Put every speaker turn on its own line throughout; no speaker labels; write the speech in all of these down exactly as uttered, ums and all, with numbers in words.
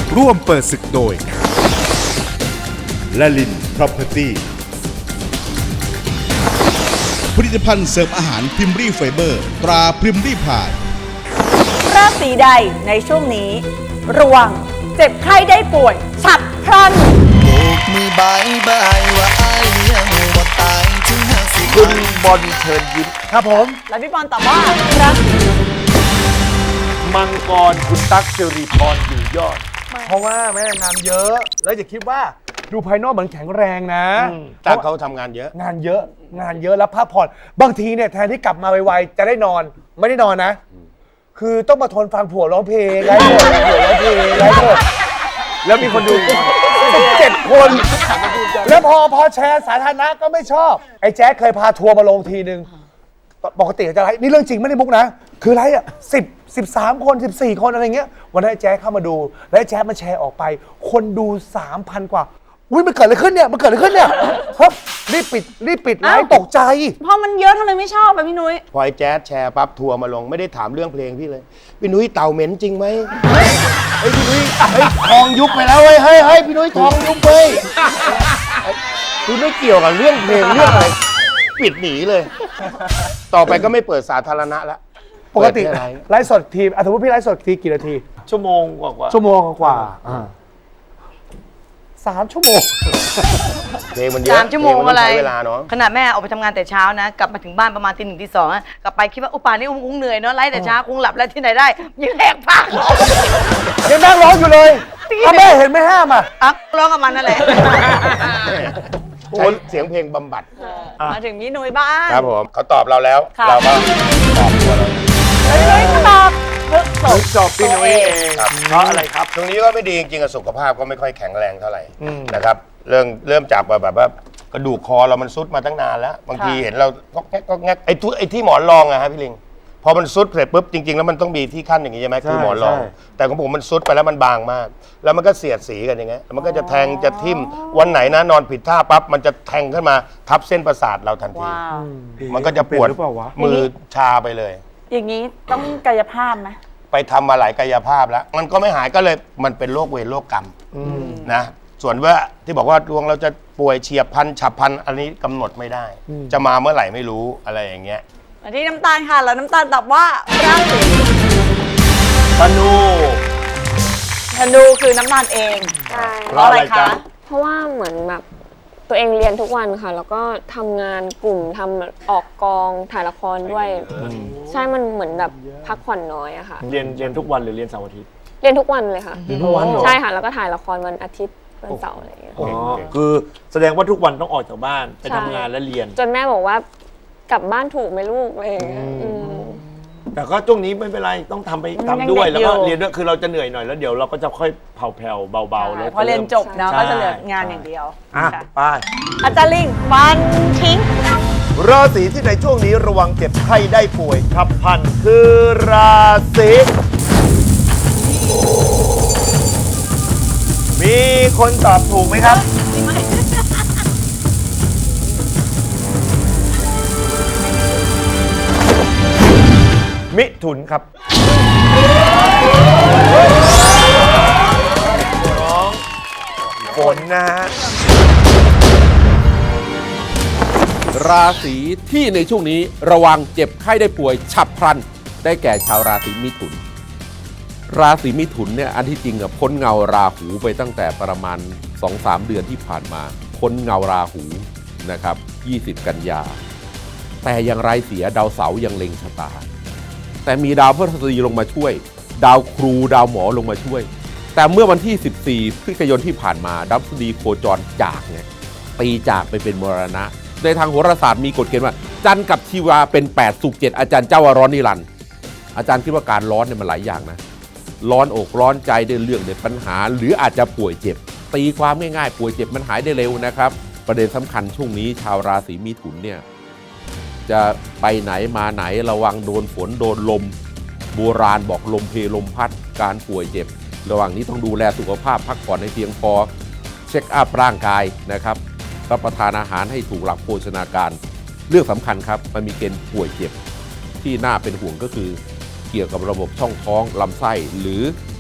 ร่วมเปิดศึกโดยละลิน Property ผลิตภัณฑ์เสริมอาหารพิมรี่ไฟเบอร์ตราพิมรี่พาย
ราศีใดในช่วงนี้ระวังเจ็บไข้ได้ป่วยฉับพลัน
โบกมือบายบายว่าอายยังบ่ตายถึงห้าสิบ
คุณบอลเชิญยิ้ม
ครับผม
แล้วพี่บอลตอบว่าราศี
มังกรคุณตั๊กสิริพรอยู่ยอด
เพราะว่าแม่งานเยอะแล้วอย่าคิดว่าดูภายนอกเหมือนแข็งแรงนะ
แต่เขาทำงานเยอะ
งานเยอะงานเยอะแล้วพักผ่อนบางทีเนี่ยแทนที่กลับมาไวๆจะได้นอนไม่ได้นอนนะคือต้องมาทนฟังผัวร้องเพลงไร้หมดผัวร้องเพลงไร้หมดแล้วมีคนดูสิบเจ็ดคนแล้วพอพอแชร์สาธารณะก็ไม่ชอบไอ้แจ๊คเคยพาทัวร์มาลงทีนึงปกติจะไลฟ์นี่เรื่องจริงไม่ได้มุกนะคือไลฟ์อ่ะสิบสิบสามคนสิบสี่คนอะไรเงี้ยวันนั้นไอ้แจ๊คเข้ามาดูแล้วไอ้แจ๊คมันแชร์ออกไปคนดูสามพันกว่าอุ้ยมันเกิดอะไรขึ้นเนี่ยมันเกิดอะไรขึ้นเนี่ยครับรีบปิดรีบปิดไลฟ์ตกใจ
เพราะมันเยอะทำไมไม่ชอบแบบพี่นุ้ย
พอไอ้แจ๊สแชร์ปั๊บทัวร์มาลงไม่ได้ถามเรื่องเพลงพี่เลยพี่นุ้ยเต่าเหม็นจริงไหมเฮ้ยพี่นุ้ยเฮ้ยทองยุบไปแล้วเฮ้ยเฮ้ยเฮ้ยพี่นุ้ยทองยุบไปคุณไม่เกี่ยวกับเรื่องเพลงเรื่องอะไรปิดหนีเลยต่อไปก็ไม่เปิดสาธารณะละ
ปกติไลฟ์สดทีสมมติพี่ไลฟ์สดทีกี่นาที
ชั่วโมงกว่า
ชั่วโมงกว่าสามชั่วโมง
เพลงมันเยอะ
สามชั่วโมงอะไร
เวลาเนาะ
ขนาดแม่ออกไปทำงานแต่เช้านะกลับมาถึงบ้านประมาณตีหนึ่งตีสองกลับไปคิดว่าอุปานี่คงเหนื่อยเนาะไล่แต่เช้าคงหลับแล้วที่ไหนได้ยังแหกปาก
ยังนั่งร้องอยู่เลยถ้าแม่เห็นไม่ห้ามอ่ะ
อ่ะร้องกับมันนั่นแหละ
ใช้เสียงเพลงบำบัด
มาถึงพี่นุ้ยบ้าง
ครับผมเขาตอบเราแล้วเราก็ตอบตัวเรา
พี่นุ้ยก็ตอบ
เพิ่งจบพี่นุ้ยเองเพราะอะไรครับ
ตรงนี้ก็ไม่ดีจริงๆสุขภาพก็ไม่ค่อยแข็งแรงเท่าไหร่นะครับเรื่องเริ่มจากแบบว่ากระดูกคอเรามันซุดมาตั้งนานแล้วบางทีเห็นเราก็แงกก็แงกไอ้ทุไอ้ที่หมอนรองอะฮะพี่ลิงพอมันซุดเสร็จปุ๊บจริงๆแล้วมันต้องมีที่ขั้นอย่างนี้ใช่ไหมคือหมอนรองแต่ของผมมันซุดไปแล้วมันบางมากแล้วมันก็เสียดสีกันอย่างเงี้ยมันก็จะแทงจะทิ่มวันไหนนะนอนผิดท่าปั๊บมันจะแทงขึ้นมาทับเส้นประสาทเราทันทีมันก็จะปวดมือชาไปเลย
อย่างนี้ต้องกายภาพไหม
ไปทำมาหลายกายภาพแล้วมันก็ไม่หายก็เลยมันเป็นโรคเวรโรคกรรมนะส่วนว่าที่บอกว่าดวงเราจะป่วยเฉียบพลันฉับพลันอันนี้กำหนดไม่ได้จะมาเมื่อไหร่ไม่รู้อะไรอย่างเงี้ย
มาที่น้ำตาลค่ะแล้วน้ำตาลตอบว่าราศี
ธนู
ธนูคือน้ำตาลเอง
ใช่
เพราะอะไรคะ
เพราะว่าเหมือนแบบตัวเองเรียนทุกวันค่ะแล้วก็ทำงานกลุ่มทำออกกองถ่ายละครด้วยใช่มันเหมือนแบบพักผ่อนน้อยอะค่ะ
เรียนเรียนทุกวันหรือเรียนเสาร์อาทิตย์
เรียนทุกวันเลยค่ะ
เรียนทุกวันเหรอ
ใช่ค่ะแล้วก็ถ่ายละครวันอาทิตย์วันเสาร์อะไรอย่างเงี้ย
อ๋อคือแสดงว่าทุกวันต้องออกจากบ้านไปทำงานและเรียน
จนแม่บอกว่ากลับบ้านถูกไหมลูกอะไรอย่างเงี้ย
แต่ก็ช่วงนี้ไม่เป็นไรต้องทำไปทำด้วยแล้วก็เรียนด้วยคือเราจะเหนื่อยหน่อยแล้วเดี๋ยวเราก็จะค่อยเผาแผ่วเบาๆแล้ว
พอเรียนจบเนาะก็จะเหลืองานอย่างเดียว
อ่ะไป
อาจารย์ลิงฟันทิ้ง
ราศีที่ในช่วงนี้ระวังเจ็บไข้ได้ป่วยฉับพลันคือราศีมีคนตอบถูกไหมครับมิถุนครับน้องฝนนะฮะ
ราศีที่ในช่วงนี้ระวังเจ็บไข้ได้ป่วยฉับพลันได้แก่ชาวราศีมิถุนราศีมิถุนเนี่ยอันที่จริงอะพ้นเงาราหูไปตั้งแต่ประมาณ สองถึงสาม เดือนที่ผ่านมาพ้นเงาราหูนะครับยี่สิบกันยาแต่อย่างไรเสียดาวเสาร์ยังเล็งชะตาแต่มีดาวพฤหัสบดีลงมาช่วยดาวครูดาวหมอลงมาช่วยแต่เมื่อวันที่สิบสี่พฤศจิกายนที่ผ่านมาดาวพฤหัสบดีโคจรจากไงตีจากไปเป็นมรณะในทางโหราศาสตร์มีกฎเกณฑ์ว่าจันทร์กับชีวาเป็นแปดศุกร์เจ็ดอาจารย์เจ้าว่าร้อนนิรันดร์อาจารย์คิดว่าการร้อนเนี่ยมันหลายอย่างนะร้อนอกร้อนใจได้เรื่องเด็ดปัญหาหรืออาจจะป่วยเจ็บตีความง่ายๆป่วยเจ็บมันหายได้เร็วนะครับประเด็นสำคัญช่วงนี้ชาวราศีมิถุนเนี่ยจะไปไหนมาไหนระวังโดนฝนโดนลมโบราณบอกลมเพลมพัดการป่วยเจ็บระหว่างนี้ต้องดูแลสุขภาพพักผ่อนให้เพียงพอเช็คอัพร่างกายนะครับรับประทานอาหารให้ถูกหลักโภชนาการเรื่องสำคัญครับมันมีเกณฑ์ป่วยเจ็บที่น่าเป็นห่วงก็คือเกี่ยวกับระบบช่องท้องลำไส้หรือ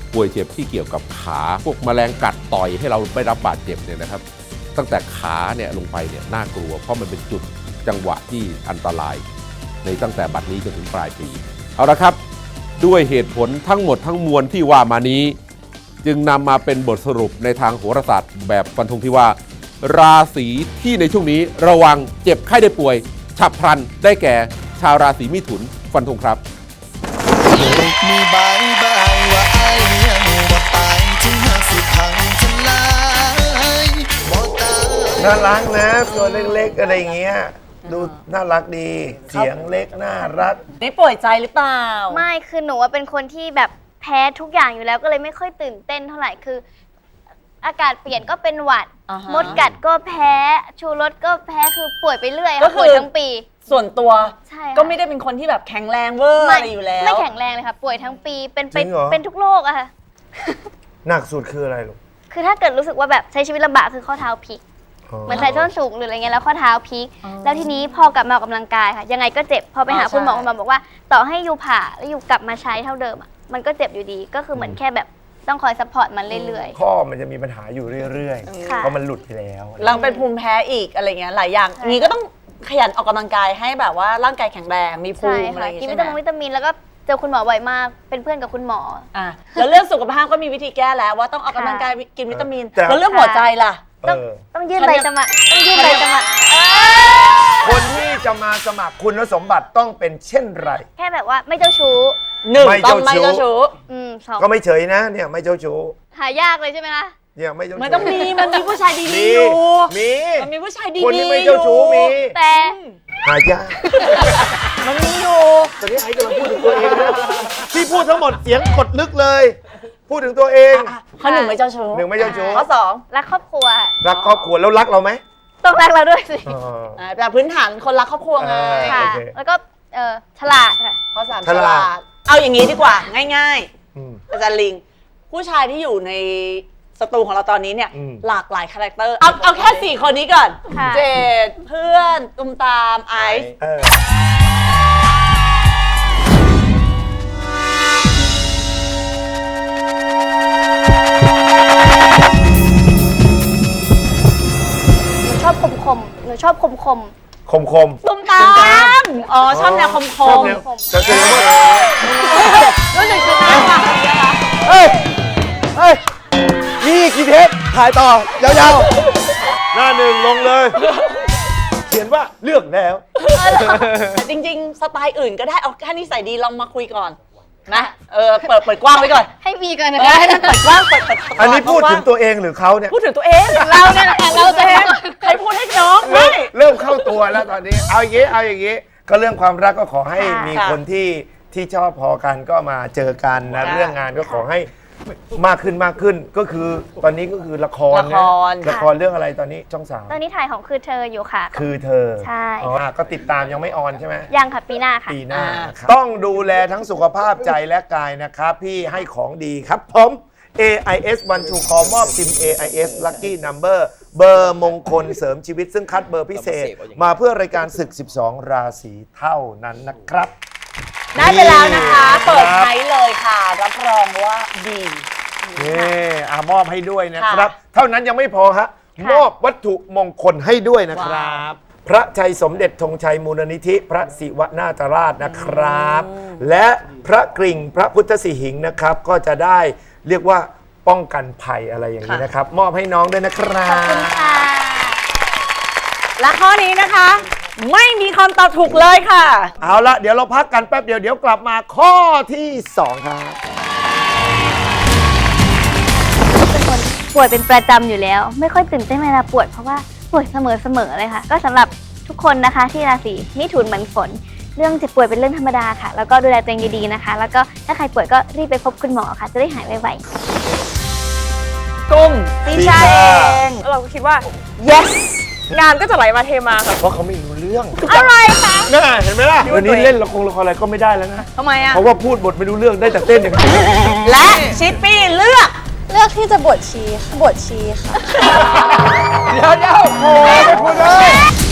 ป่วยเจ็บที่เกี่ยวกับขาพวกแมลงกัดต่อยให้เราไม่รับบาดเจ็บเนี่ยนะครับ ตั้งแต่ขาเนี่ยลงไปเนี่ยน่ากลัวเพราะมันเป็นจุดจังหวะที่อันตรายในตั้งแต่บัดนี้จนถึงปลายปีเอาละครับด้วยเหตุผลทั้งหมดทั้งมวลที่ว่ามานี้จึงนำมาเป็นบทสรุปในทางโหราศาสตร์แบบฟันธงที่ว่าราศีที่ในช่วงนี้ระวังเจ็บไข้ได้ป่วยฉับพลันได้แก่ชาวราศีมิถุนฟันธงครับ
มีบายบายว่าไอ้ายยังบ่ตายถึงหากสิพังทลายบ่ตาย
น่ารักนะตัวเล็กๆอะไรอย่างเงี้ยดูน่ารักดีเสียงเล็กน่ารัก
นี่ป่วยใจหรือเปล่า
ไม่คือหนูว่าเป็นคนที่แบบแพ้ทุกอย่างอยู่แล้วก็เลยไม่ค่อยตื่นเต้นเท่าไหร่คือ อากาศเปลี่ยนก็เป็นหวัด
อ่าฮะ
มดกัดก็แพ้ชูรสก็แพ้คือป่วยไปเรื่อย
ก็
ค่ะ
คือ
ป่วยทั้งปี
ส่วนตัว
ใช่ค่ะ
ก็ไม่ได้เป็นคนที่แบบแข็งแรงเวอร์อะไรอยู่แล้ว
ไม่แข็งแรงเลยค่ะ ป่วยทั้งปีเป็น
จริงเหรอ
เป็นทุกโรคอะค่ะ
หนักสุดคืออะไรลูก
คือถ้าเกิดรู้สึกว่าแบบใช้ชีวิตลำบากคือข้อเท้าพลิกเหมือนใส่ส้นสูงหรืออะไรเงี้ยแล้วข้อเท้าพลิก แล้วทีนี้พอกลับมาออกกำลังกายค่ะ ยังไงก็เจ็บพอไปหา
อ๋อ
คุณหมอ
ใช่
คุณหมอบอกว่าต่อให้ยูผ่าแล้วยูกลับมาใช้เท่าเดิมอะมันก็เจ็บอยู่ดีก็คือเหมือนแค่แบบต้องคอยซัพพอร์ตมันเรื่อย
ข้อมันจะมีปัญหาอยู่เรื่อย
ค่ะ
ๆเพราะมันหลุดไปแล้ว
เราเป็นภูมิแพ้อีกอะไรเงี้ยหลายอย่าง
ใช่
นี้ก็ต้องขยันออกกำลังกายให้แบบว่าร่างกายแข็งแรงมี
ๆ
ภู
ใช่
มิอะไร
ค่ะ
อย่าง
กิน
งี้
วิ
ใช่
ตามิน
ไหม
วิตามินแล้วก็เจอคุณหมอบ่อยมากเป็นเพื่อนกับคุณหมอ
อ่ะแล้วเรื่องสุขภาพก็มีวิธีแก้แล้วว่าต้องออกกำลังกายกินวิตามิน
แต่
แล้วเรื่องหัวใจล่ะ
เออ
ต้องยื่นใบสมัครต้องยื่นใบสมัคร
คนที่จะมาสมัครคุณสมบัติต้องเป็นเช่นไร
แค่แบบว่าไม่เจ้าชู้
หนึ่ง
ไม่
ต้อง
เจ้า
ไม่
ชู้
เจ้าชู้
อืมสอง
ก็ไม่เฉยนะเนี่ยไม่เจ้าชู้
หายากเลยใช่ไหมคะ
เนี่ยไม่เจ้าชู้
ไม่ต้องมีมันมีผู้ชายดี
มี
ๆอยู่
มี
มันมีผู้ชายดี
คน
ๆ
ที่ไม่เจ้าชู้มี
แต่
หายาก
มันมีอยู่
ตอนนี้ไอ้กำลังพูดถึงตัวเองนะที่พูดทั้งหมดเสียงกดลึกเลย พูดถึงตัวเอง
ข้อหนึ่งไม่เจ้าชู้
หนึ่งไม่เจ้าชู้
ข้อสอง
รักครอบครัว
รักครอบครัวแล้วรักเราไหม
ต้องรักเราด้วยสิ
อ๋อ
อ่าแต่พื้นฐานคนรักครอบครัวไง
เออ
ค่ะ
โอเค
แล้วก็เออฉลาดค่ะ
ข้อสาม
ฉ
ฉ
ลา
ลา
ด
ดเอาอย่างนี้ดีกว่าง่าย
อืม
ๆอาจารย์ลิง ผู้ชายที่อยู่ในสตูของเราตอนนี้เนี่ย
อืม
หลากหลายคาแรคเตอร์เอาเอาแค่สี่คนนี้ก่อน
ค่ะ
เจดเพื่อนตุ้มตามไอซ์
เออ
หนูชอบคมคมๆหนูชอบคมคม
คมคม
ตุ้มตามอ๋อชอบแนวคมค
ชอบ
ม
แนวจะแสดงว่า
รู้สึกชนะว่ะ
เฮ้ย เฮ้ย นี่กี่เทปถ่ายต่อยาวๆ หน้าหนึ่งลงเลย เขียนว่าเลือกแล้ว
แต่จริง ๆ สไตล์อื่นก็ได้เอาแค่นิสัยดีลองมาคุยก่อนนะเออเปิดเปิดกว้างไว้ก่อน
ๆให้มีกันนะ
เออ
คะ
ให้มันเปิดกว้างเปิดเปิด
อันนี้พูดถึงตัวเองหรือเขาเนี่ย
พูดถึงตัวเองเราเนี่ยแหละเราจะใครพูดให้น้อง
เริ่
ไม่
มเริ่มเข้าตัวแล้วตอนนี้ เอาอย่างงี้ เอาอย่างงี้ ก็เรื่องความรักก็ขอให้มี
ค่ะ
คนที่ที่ชอบพอกันก็มาเจอกันนะ
ค่ะ
เรื่องงานก็ขอให้มากขึ้นมากขึ้น ก็คือตอนนี้ก็คือละคร
ละค
นะ
ร
ละครเรื่องอะไรตอนนี้ช่องสาม
ตอนนี้ถ่ายของคือเธออยู่ค่ะ
คือเธอ
ใช่
อ๋อก็ติดตามยังไม่ออนใช่ไหม
ยังค่ะปีหน้าค่ะ
ปีหน้า
อ่า
ครับต้องดูแลทั้งสุขภาพใจและกายนะครับ พี่ให้ของดีครับผม เอ ไอ เอส วัน ทู คอ มอบซิม เอ ไอ เอส Lucky Number เบอร์มงคลเสริมชีวิตซึ่งคัดเบอร์พิเศษ มาเพื่อรายการศึก สิบสอง ราศีเท่านั้นนะครับ
ได้ไปแล้วนะคะ
ครับ
เปิดใช้เลยค่ะ รับรองว่าดี
นี่อามอบให้ด้วยนะครับ
ค่ะ
เท่านั้นยังไม่พอฮะ
ค่ะ
มอบวัตถุมงคลให้ด้วยนะครับ พระชัยสมเด็จธงชัยมูลนิธิ พระศิวนาถราชนะครับ และพระกริ่งพระพุทธสิหิงค์นะครับ ก็จะได้เรียกว่าป้องกันภัยอะไรอย่างนี้นะครับ มอบให้น้องด้วยนะครั
ขอบคุณ
บ
ค่ะ
และข้อนี้นะคะ ไม่มีคำตอบถูกเลยค่ะ
เอาละเดี๋ยวเราพักกันแป๊บเดียว เดี๋ยวกลับมาข้อที่สองครับ
เป็นคนป่วยเป็นประจำอยู่แล้ว ไม่ค่อยตื่นเต้นเวลาปวดเพราะว่าป่วยเสมอๆเลยค่ะ ก็สำหรับทุกคนนะคะที่ราศีมิถุนเหมือนฝน เรื่องเจ็บป่วยเป็นเรื่องธรรมดาค่ะ แล้วก็ดูแลตัวเองดีๆนะคะ แล้วก็ถ้าใครป่วยก็รีบไปพบคุณหมอค่ะ จะได้หายไวๆ
กลุ่มตี
ตี
ชา
ชา
เองเราก็คิดว่า yes งานก็จะไหลมาเทมาค่ะ
เพราะเขาไม่รู้เรื่อง
อะไรคะ
น่าเห็นไหมล่ะวันนี้เล่นละครละครอะไรก็ไม่ได้แล้วนะ
ทำไมอ่ะ
เพราะว่าพูดบทไม่รู้เรื่องได้แต่เต้นอย่างเดียว
และชิปปี้เลือก
เลือกที่จะบวชชีค่ะบวชชีค่ะ
เดี๋ยวเดี๋ยวโอ้ไม่พูดเลย